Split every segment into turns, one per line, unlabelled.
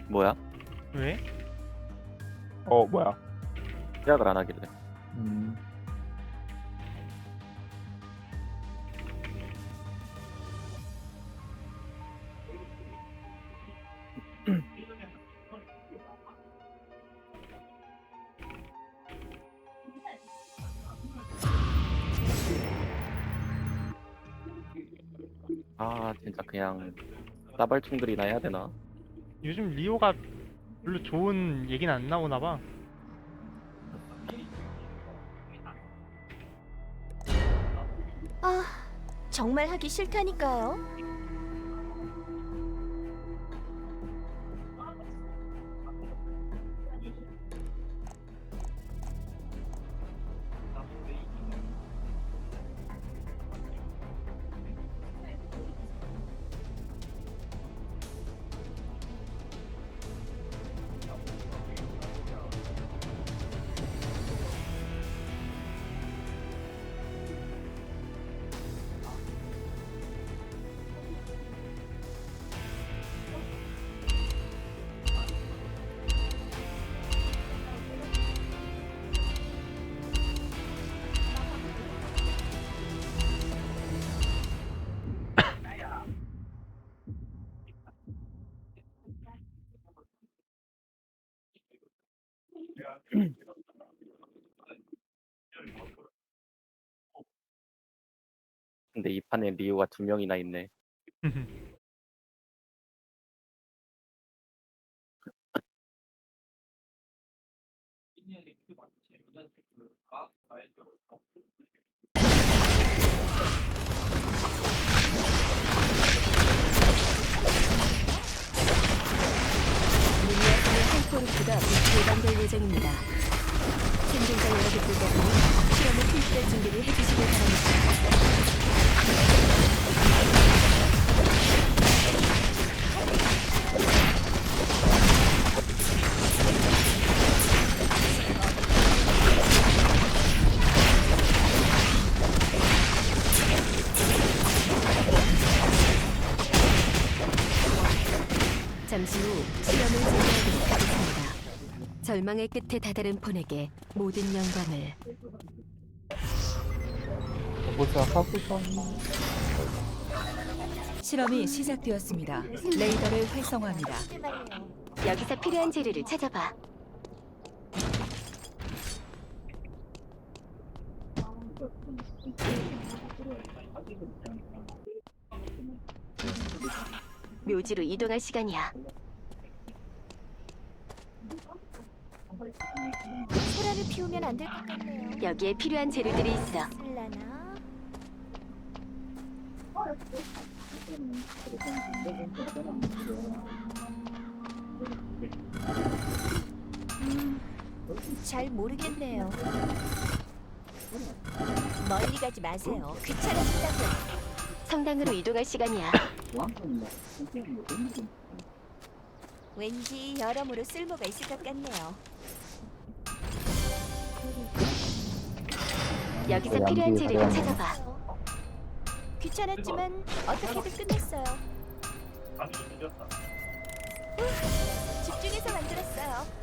뭐야?
왜?
뭐야?
시작을 안 하길래.
음.
아 진짜 그냥 따발총들이나 해야 되나?
요즘 리오가 별로 좋은 얘기는 안 나오나 봐.
아, 정말 하기 싫다니까요.
근데 이 판에 리오가 2명이나 있네.
미니어스의 헬포르트가 개방될 예정입니다. 생존자 여러분들께서 실험을 필수할 준비를 해주시길 바랍니다. 잠시 후 실험을 재개하도록 하겠습니다. 절망의 끝에 다다른 폰에게 모든 영광을.
보자 하고서
실험이 시작되었습니다. 레이더를 활성화합니다.
여기서 필요한 재료를 찾아봐. 묘지로 이동할 시간이야. 소라를 피우면 안 될 것 같네요. 여기에 필요한 재료들이 있어. 쓸라나? 잘 모르겠네요. 멀리 가지 마세요. 귀찮아진다고요. 성당으로 이동할 시간이야. 왠지 여러모로 쓸모가 있을 것 같네요. 여기서 필요한 재료를 찾아봐. 귀찮았지만 어떻게든 끝냈어요. 집중해서 만들었어요.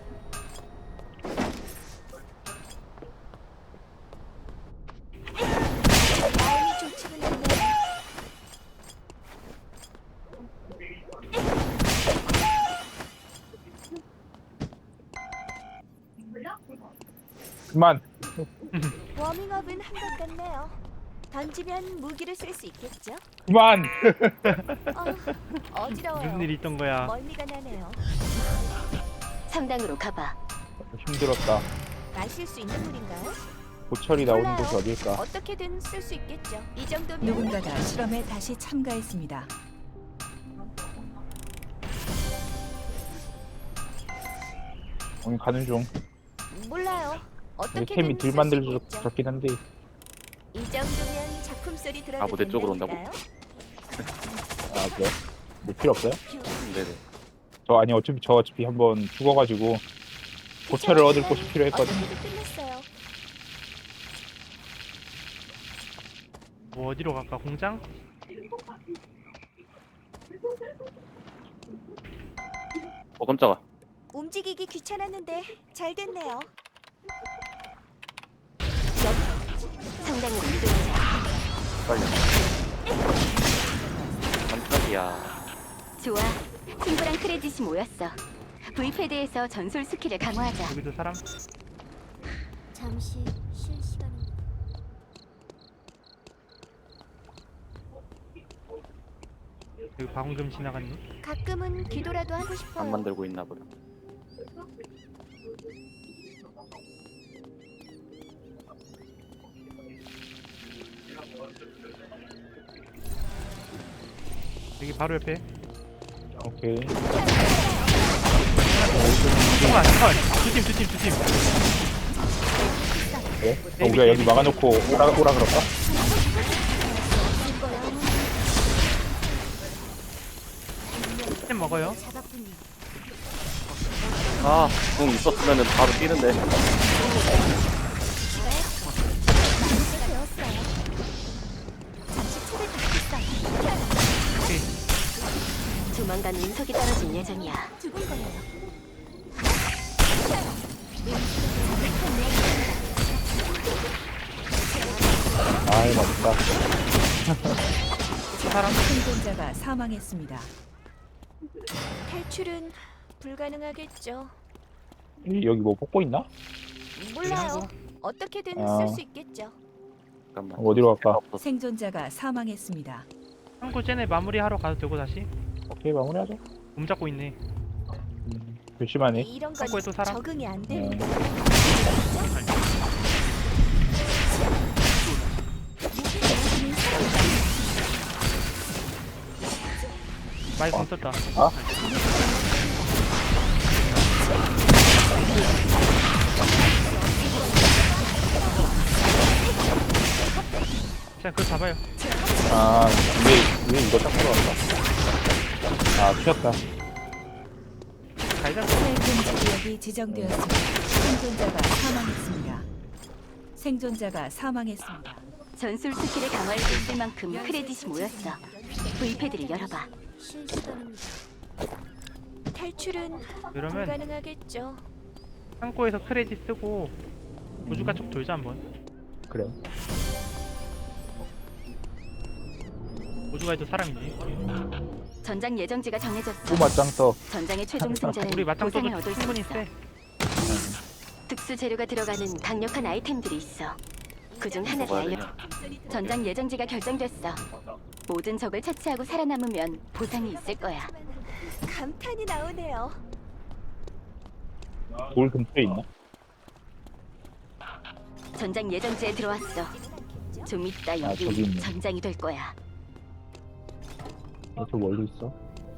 마음이 좋지는 않네요.
그만.
워밍업은 한 것 같네요. 던지면 무기를 쓸 수 있겠죠?
그만.
어지러워요.
무슨 일이 있던 거야?
멀미가 나네요. 성당으로 가봐.
힘들었다.
마실 수 있는 물인가요?
고철이 나오는
몰라요.
곳이 어딜까?
어떻게든 쓸 수 있겠죠. 이 정도면
누군가가 실험에 다시 참가했습니다.
오늘 가는 중.
몰라요. 어떻게든
템이 들
쓸수
만들기
있겠죠.
좋긴 한데.
이 정도면 작품 소리 들어도
아, 무대 쪽으로 온다고?
된다니까요?
아 그래? 뭐 필요 없어요?
네네.
저 어차피 한번 죽어가지고 고철을 얻을 곳이 필요했거든.
어떻게든 끝냈어요.
뭐 어디로 갈까? 공장?
깜짝아.
움직이기 귀찮았는데 잘 됐네요.
성당으로 이동하자.
빨리. 깜짝이야.
좋아. 콩브랑 크레딧이 모였어. V패드에서 전술 스킬을 강화하자.
여기도 사람?
잠시 쉴 시간입니다.
여기 방금 지나갔니?
가끔은 기도라도 하고
안
싶어요.
만들고 있나 보다.
여기 바로 옆에.
오케이.
잠깐. 두 팀.
네? 우리가 여기 막아놓고 오라 그럴까?
팀 먹어요.
잡았군요.
아, 궁 있었으면은 바로 뛰는데.
되었어요. 잠시 초를 받겠어요.
오케이.
조만간 운석이 떨어질 예정이야.
두근거려요.
아이 맞다.
사람?
생존자가 사망했습니다.
탈출은 불가능하겠죠.
여기 뭐 뽑고 있나?
몰라요. 어떻게든 쓸 수 있겠죠.
잠깐만.
어디로 갈까?
생존자가 사망했습니다.
한국 쟤네 마무리하러 가도 되고 다시.
오케이 마무리하자.
몸 잡고 있네.
조심하네.
이런 건
한국에 또 사람?
적응이 안
네.
되는데.
많이 던졌다.
아?
자, 그거 잡아요.
아 위에 이거 딱 들어갔다. 아 튀었다.
가이자.
새 금지 구역이 지정되었습니다. 생존자가 사망했습니다. 생존자가 사망했습니다.
전술 스킬을 강화할 수 있을 만큼 크레딧이 모였어. V패드를 열어봐.
쉴 시간입니다. 탈출은
그러면
불가능하겠죠.
창고에서 크레딧 쓰고 우주가 쪽 돌자 한번.
그래.
우주가에도 사람 있네.
전장 예정지가 정해졌어.
또 맞짱 떠.
전장의 최종 승자는
우리 맞짱
보상을
떠도
얻을 수
충분히
있어.
세.
특수 재료가 들어가는 강력한 아이템들이 있어. 그중 하나를
먹어야
알려.
되냐?
전장 예정지가 결정됐어. 모든 적을 처치하고 살아남으면 보상이 있을 거야.
감탄이 나오네요.
돌 근처에 있나?
전장 예정지에 들어왔어. 좀 이따
저기
여기
있네.
전장이 될 거야.
저 멀리 있어.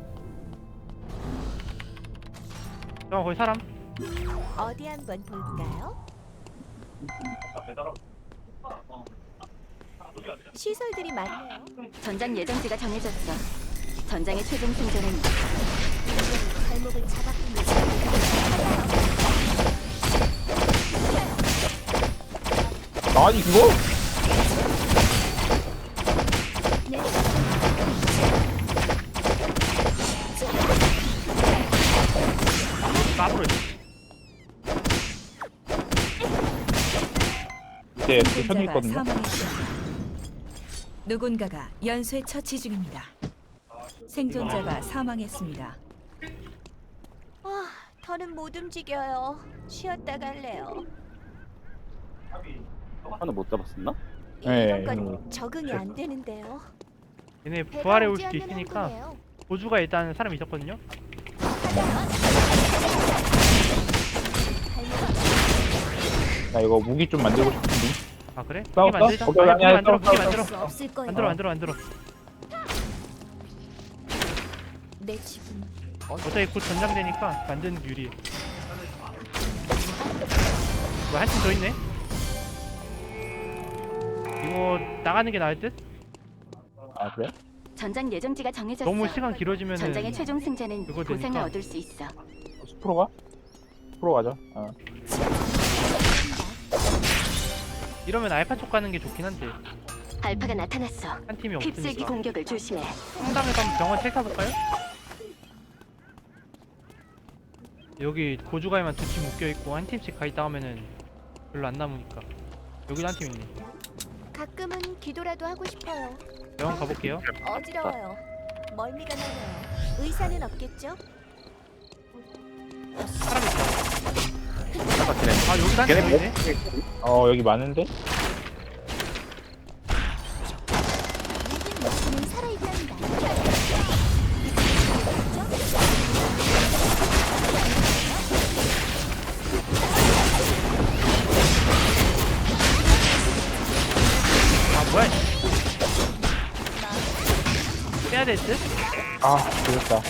거기 사람?
어디 한번 볼까요? 시설들이 많네요.
전장 예정지가 정해졌어. 전장의 최종 승자는
발목을 잡았군요.
아니 그거?
까불어.
네, 현이
생존자가
있거든요.
사망했습니다. 누군가가 연쇄 처치 중입니다. 생존자가 사망했습니다.
아, 더는 못 움직여요. 쉬었다 갈래요.
하나 못 잡았었나?
네,
이런 건 적응이 안 되는데요.
얘네
배가
부활해 올
오지
수도
않는
있으니까
한국이에요.
우주가 일단 사람 있었거든요.
나 이거 무기 좀 만들고 싶은데.
아 그래? 무기
싸웠어?
만들자.
오케이,
무기
아니야,
만들어. 무기
싸웠어,
만들어.
수 없을 거예요.
만들어.
내 집은
어차피 곧 전장되니까 만드는 게 유리해. 뭐 한 팀 더 있네? 이거 나가는 게 나을 듯?
아 그래?
전장 예정지가 정해졌어.
너무 시간 길어지면은
전장의 최종 승자는
그거
보상을
되니까.
얻을 수 있어.
스프로 가? 스프로 가자. 아.
이러면 알파 쪽 가는 게 좋긴 한데
알파가 나타났어.
한 팀이
휩쓸기
없으니까.
공격을 조심해.
성당에서 한번 병원 책 사볼까요? 여기 고주가에만 2팀 묶여있고 한 팀씩 가있다 하면은 별로 안 남으니까. 여기도 한 팀 있네.
가끔은 기도라도 하고 싶어요.
병원 가볼게요.
어지러워요. 멀미가 나네요. 의사는 없겠죠?
사람 있다.
똑같네.
아 여기도 한 팀
걔네
있네.
여기 많은데?
모든 목숨은 살아있답니다.
아 뭐야? 빼야 될 듯?
죽였다.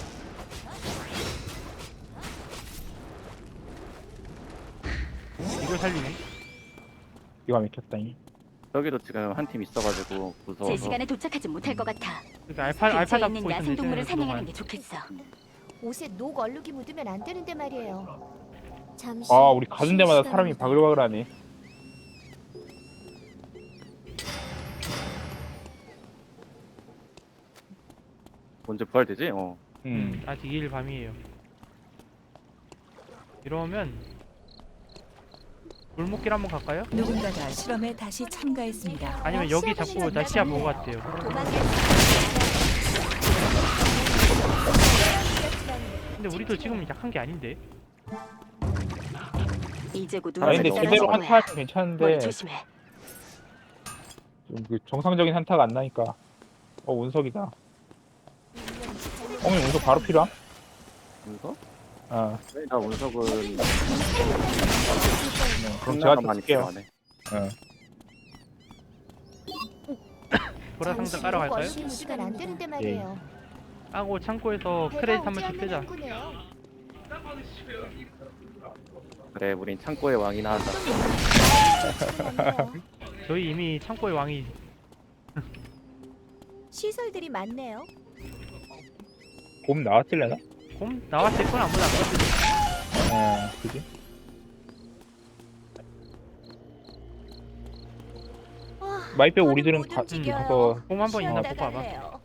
이걸 살리네.
이거 맥혔다니.
여기도 지금 한 팀 있어가지고
제
무서워서.
시간에 도착하지 못할 것 같아.
그러니까 알파
근처에
잡고
있는 야생
있었는데
동물을
그동안.
사냥하는 게 좋겠어.
옷에 녹 얼룩이 묻으면 안 되는데 말이에요. 잠시.
우리 가는 데마다 사람이 바글바글하네.
언제 부활되지?
아직 2일 밤이에요. 이러면 골목길 한번 갈까요?
누군가가 실험에 다시 참가했습니다.
아니면 여기 자꾸 나 시야 보고 갔대요.
도망갈
근데 우리도 지금 약한 게 아닌데.
이제 곧
아니,
근데
눈썹이
제대로
떨어질
한타하면
거야.
괜찮은데
머리 조심해.
좀 그 정상적인 한타가 안 나니까. 운석이다. 운석 바로 필요함?
운석?
아,
나 운석은
그럼 제가 좀
많이
쓸게요.
필요하네.
보라 상자 깔아 갈까요?
얼룩이 묻으면 안 되는데 말이에요.
까고 창고에서 크레딧 한 번씩 빼자.
그래, 우린 창고의 왕이나 하자.
저희 이미 창고의 왕이.
시설들이 많네요.
곰 나왔을래나?
곰 나왔을 건 아무도 안 봤을.
그지? 많이 빼고 우리들은 가서
곰 한 번 있나
어.
보고 와봐.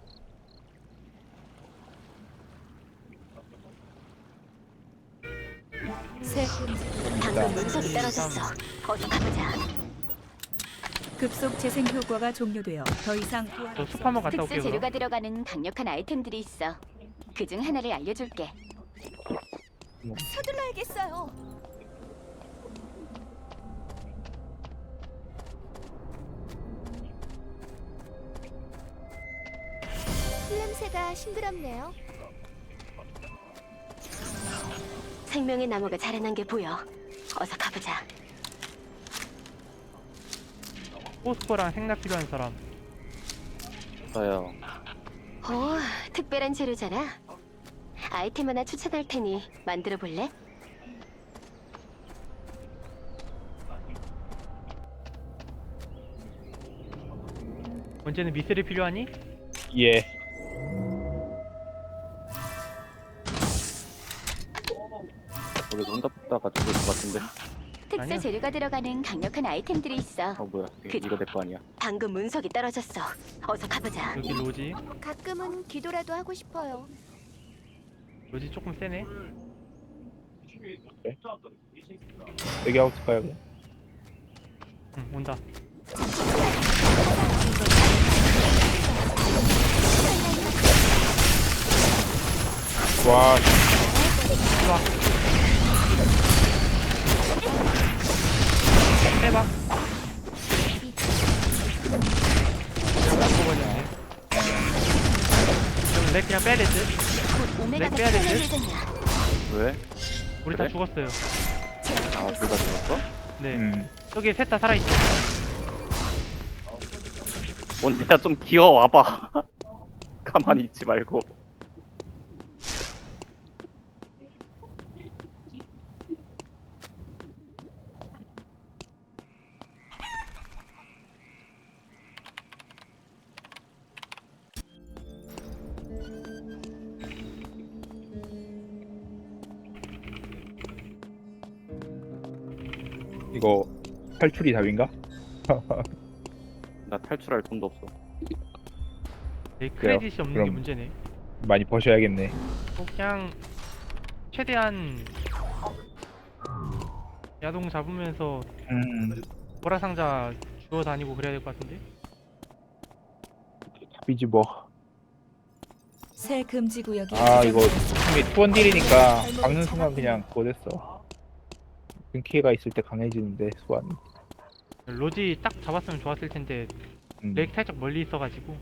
방금 눈썹이 떨어졌어. 어서 가보자.
급속 재생 효과가 종료되어 더 이상
저 숲 한번 갔다
특수
올게요. 그럼.
재료가 들어가는 강력한 아이템들이 있어. 그중 하나를 알려줄게.
서둘러야겠어요. 풀 냄새가 싱그럽네요.
생명의 나무가 자라난 게 보여. 어서 가보자.
포스코랑 생략 필요한 사람.
저요.
오, 특별한 재료잖아. 아이템 하나 추천할 테니 만들어 볼래?
언제는 미셀이 필요하니?
예.
여기서 혼자 뽑다가 죽을 것 같은데.
특수
아니야.
재료가 들어가는 강력한 아이템들이 있어.
뭐야.
그-
이거 내 거 아니야.
방금 문석이 떨어졌어. 어서 가보자.
여기 로지.
가끔은 기도라도 하고 싶어요.
로지 조금 세네.
여기 하고 있을까요? 그럼?
응, 온다.
와,
좋아. 해봐. 그럼 렉 그냥 빼야 될 듯?
곧 오메가가
네, 빼야 될
태어날
듯?
예정이야.
왜?
우리
그래?
다 죽었어요.
둘 다 죽었어?
네. 저기 셋 다 살아있어.
언니야 좀 기어와봐. 가만히 있지 말고.
이거 탈출이 답인가?
나 탈출할 돈도 없어.
네, 크레딧이 없는 게
그럼.
문제네.
많이 버셔야겠네.
그냥 최대한 야동 잡으면서 보라 상자 주워 다니고 그래야 될 것 같은데.
답이지 뭐.
새 금지 구역이
아 이거
지정되었습니다.
이게 투원딜이니까 박는 순간 그냥 그거 됐어. 근키가 있을 때 강해지는데 소환이.
로지 딱 잡았으면 좋았을 텐데 렉 살짝 멀리 있어가지고.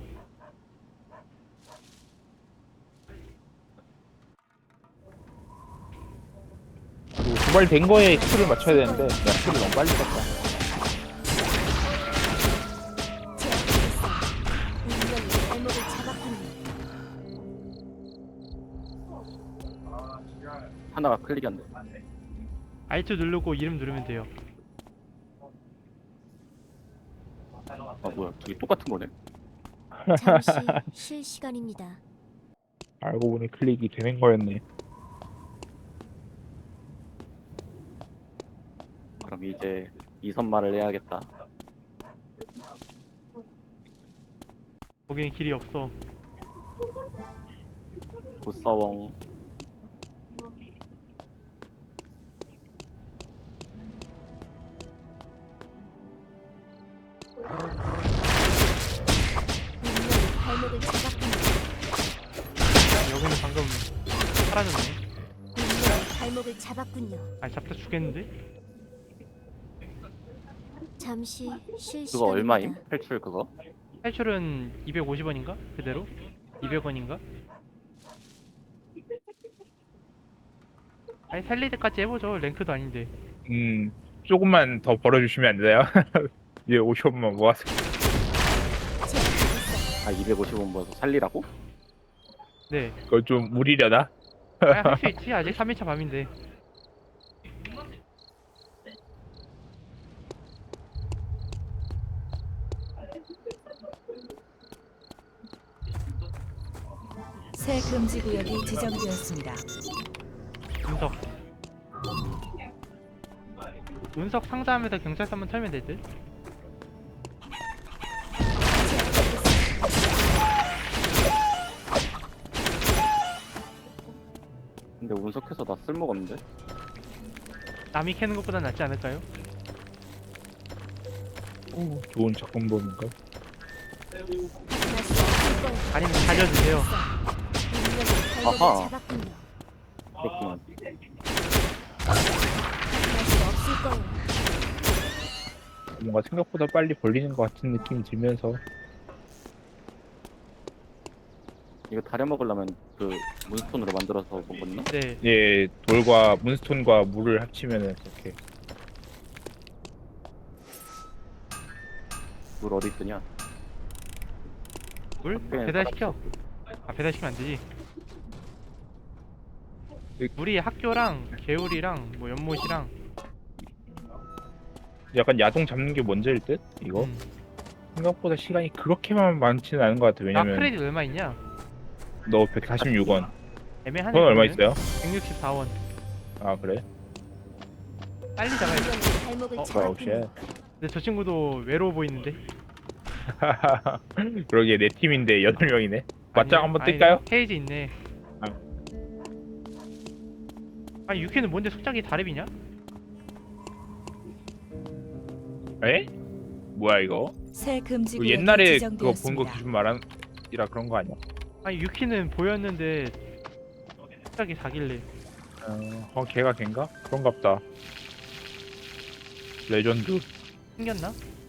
그리고 도발된 거에 큐를 맞춰야 되는데 내가 큐를 너무 빨리 갔다.
운명이 발목을 잡았군요.
하나가 클릭이 안 돼.
Alt 누르고 이름 누르면 돼요.
아 뭐야, 둘이 똑같은 거네.
잠시 쉴 시간입니다.
알고 보니 클릭이 되는 거였네.
그럼 이제 이선말을 해야겠다.
거기는 길이 없어.
보싸웡.
운명이 발목을 잡았군요.
여기는 방금 사라졌네.
운명이 발목을 잡았군요.
아 잡다 죽겠는데?
잠시 쉴
그거 얼마임?
시간입니다.
탈출 그거?
탈출은 250원인가? 그대로? 200원인가? 아니 살릴 때까지 해보죠. 랭크도 아닌데.
조금만 더 벌어주시면 안 돼요? 이제 50원만 모아서.
아 250원 모아서 살리라고?
네.
그거 좀 무리려나?
할 수 있지. 아직 3일차 밤인데.
새 금지 구역이 지정되었습니다.
운석. 운석 상자하면서 경찰서 한번 털면 될 듯?
근데 운석해서 나 쓸모가 없는데?
남이 캐는 것보다 낫지 않을까요?
좋은 접근법인가?
아니면 가져주세요.
운명이 발목을
아하.
잡았군요.
그렇구만.
만날 수 없을 거예요.
뭔가 생각보다 빨리 벌리는 것 같은 느낌이 들면서
이거 다려 먹으려면 그 문스톤으로 만들어서 먹었나?
네.
예 돌과 문스톤과 물을 합치면은 이렇게
물 어디 있으냐?
물?
그냥
배달시켜. 아 배달시키면 안 되지. 물이 학교랑 개울이랑 뭐 연못이랑
약간 야동 잡는 게 먼저일 듯? 이거? 생각보다 시간이 그렇게만 많지는 않은 것 같아.
나
왜냐면
크레딧 얼마 있냐?
너 146원.
애매하네.
돈 얼마
그러면.
있어요?
164원.
아 그래?
빨리 잡아야지.
운명이 발목을
와우
잡았군요.
쉣.
근데 저 친구도 외로워 보이는데.
그러게 내 팀인데 8명이네. 맞짱 한번 뜰까요?
페이지 있네.
아.
아니 유키는 뭔데 속작이 다랩이냐?
에? 뭐야 이거?
새 금지
그
구역이
옛날에 그거 본 거
지정되었습니다.
기준 말한이라 그런 거 아니야?
아니 유키는 보였는데 속작이 4길래.
걔가 걔인가? 그런갑다. 레전드.
생겼나?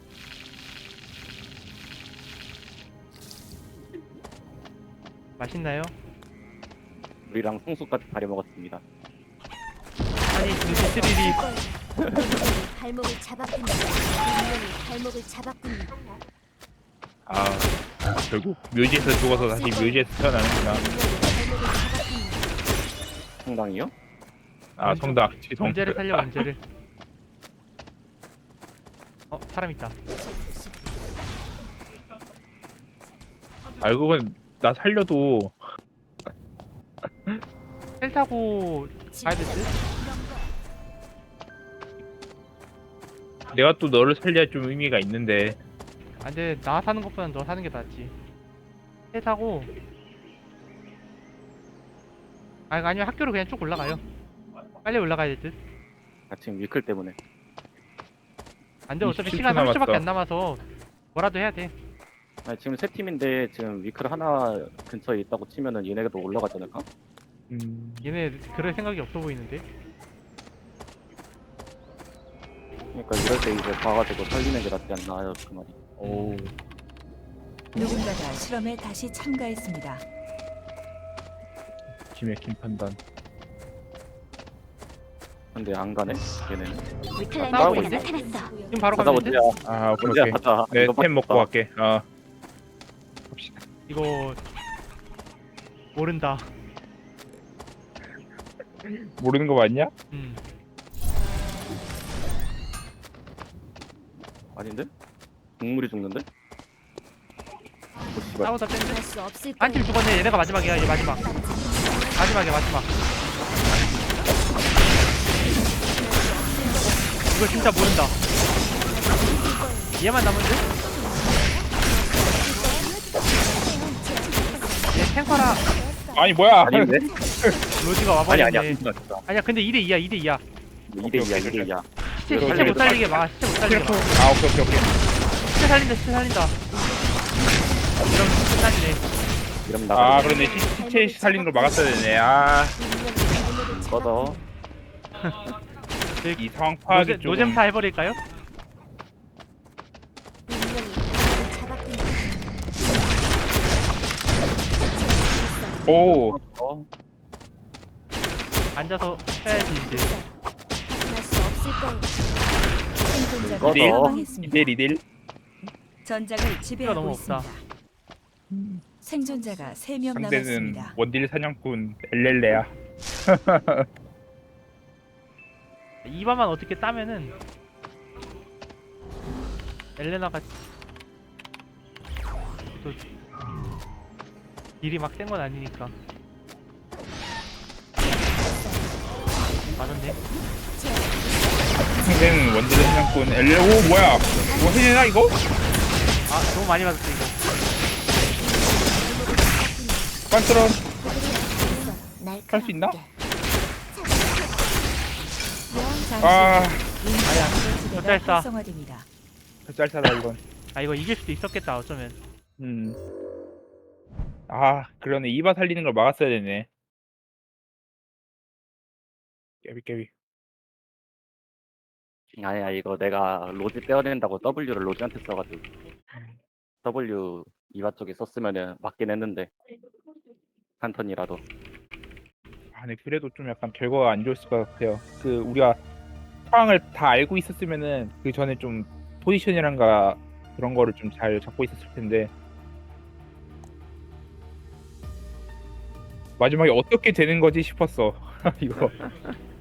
맛있나요?
우리랑 성수까지 다려 먹었습니다.
아니 진실이
운명이 발목을 잡았군요. 운명이 발목을 잡았군요.
아 결국 묘지에서 죽어서 다시 묘지에서 태어나는구나.
운명이 발목을 잡았군요.
성당이요?
아 성당 지성.
원제를 살려 원제를. 사람 있다.
알고 보면 나 살려도
헬 타고 가야 될 듯?
내가 또 너를 살려야 좀 의미가 있는데.
아 근데 나 사는 것보단 너 사는 게 낫지. 헬 타고 아니면 학교로 그냥 쭉 올라가요. 빨리 올라가야 될 듯.
아, 지금 위클 때문에.
안돼 어차피
27초
시간 30초밖에
남았어.
안 남아서 뭐라도 해야 돼.
아니, 지금 세 팀인데 지금 위클 하나 근처에 있다고 치면은 얘네도 올라가지 않을까?
얘네 그럴 생각이 없어 보이는데.
그러니까 이럴 때 이제 봐가지고 살리는 게 낫지 않나 그 말이.
오.
누군가가 실험에 다시 참가했습니다.
김의 김 판단.
근데 안 가네 얘네는.
싸우고
위클라이머가
있네?
나타났어.
지금 바로
가자
가면 돼?
먼저야.
아 오케이
먼저야
오케이.
가자.
네,
이거
템 먹고
맞다.
갈게. 갑시다.
이거 모른다.
모르는 거 맞냐?
아닌데? 동물이 죽는데? 오 씨발.
싸우다 뺀데.
할수 없을
한 팀 죽었네. 얘네가 마지막이야. 얘 마지막. 마지막이야 마지막. 이거 진짜 모른다. 얘만 남은데? 얘 탱커라.
아니 뭐야?
아닌데?
로지가
아니 아니야.
와버렸네.
진짜 진짜.
아니야 근데 2대2야 2대2야.
2대2야 2대2야.
시체 못 살리게 막. 시체 못 살리게 막.
아 오케이 오케이.
시체 살린다 시체 살린다. 이러면 끝나지네.
이러면
아
나가.
그러네. 시체 살리는 걸 막았어야 되네. 아
꺼져.
이 상황 파악이 좀.
노잼타 해버릴까요?
오.
어?
앉아서 해야지 이제.
할수 없을 거예요.
생존자가
꺼져.
사망했습니다.
2대 1.
전장을 지배하고
너무 없다.
있습니다. 생존자가 3명
상대는
남았습니다.
원딜 사냥꾼 엘렐레야.
2번만 어떻게 따면은 엘레나가 또 딜이 막 센 건 아니니까. 맞았네.
상대는 원딜 사냥꾼 엘렐. 오 뭐야? 뭐 해내나 이거?
아 너무 많이 맞았어 이거.
빤스런
할
수 있나?
잠시
아
인터넷
어쩔 수 없어.
활성화됩니다.
짤짤하다 이건.
아 이거 이길 수도 있었겠다 어쩌면.
아 그러네. 이바 살리는 걸 막았어야 되네. 깨비.
아니야 이거 내가 로지 떼어낸다고 W를 로지한테 써가지고 W 이와 쪽에 썼으면은 맞긴 했는데 한 턴이라도.
아, 근데 그래도 좀 약간 결과가 안 좋았을 것 같아요. 그 우리가 상황을 다 알고 있었으면은 그 전에 좀 포지션이란가 그런 거를 좀 잘 잡고 있었을 텐데 마지막에 어떻게 되는 거지 싶었어. 이거